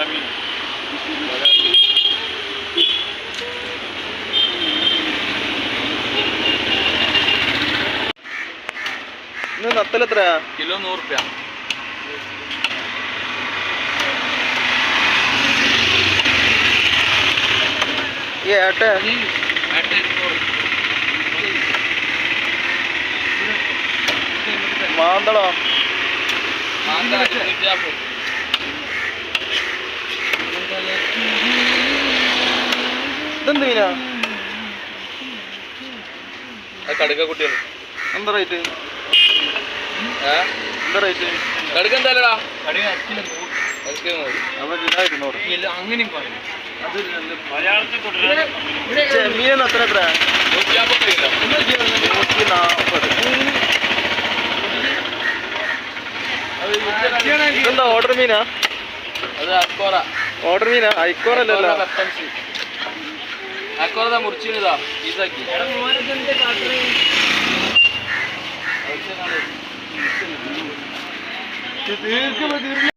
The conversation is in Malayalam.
ഇന്ന് നത്തൽ എത്രയാ? കിലോ 100 രൂപ. ഈ ഏട്ട മാന്തളോ? ഇതെന്ത് മീനാ? കടുക്ക കുട്ടികൾ എന്താ റേറ്റ്? എന്താ റേറ്റ്? കടുക്ക എന്തായാലടാ അപ്പൊ കിലോ 200. അങ്ങനെയും പറയും. ചെമ്മീൻ അത്ര എത്ര? 140. ഇതെന്താ ഓർഡർ മീനാ? അത് അക്കോറ. ഓർഡർ മീനാ? ഐക്കോറല്ലോ. അക്കോറ മുറിച്ചിതാ പീസാക്കി. തീർക്കുമ്പോ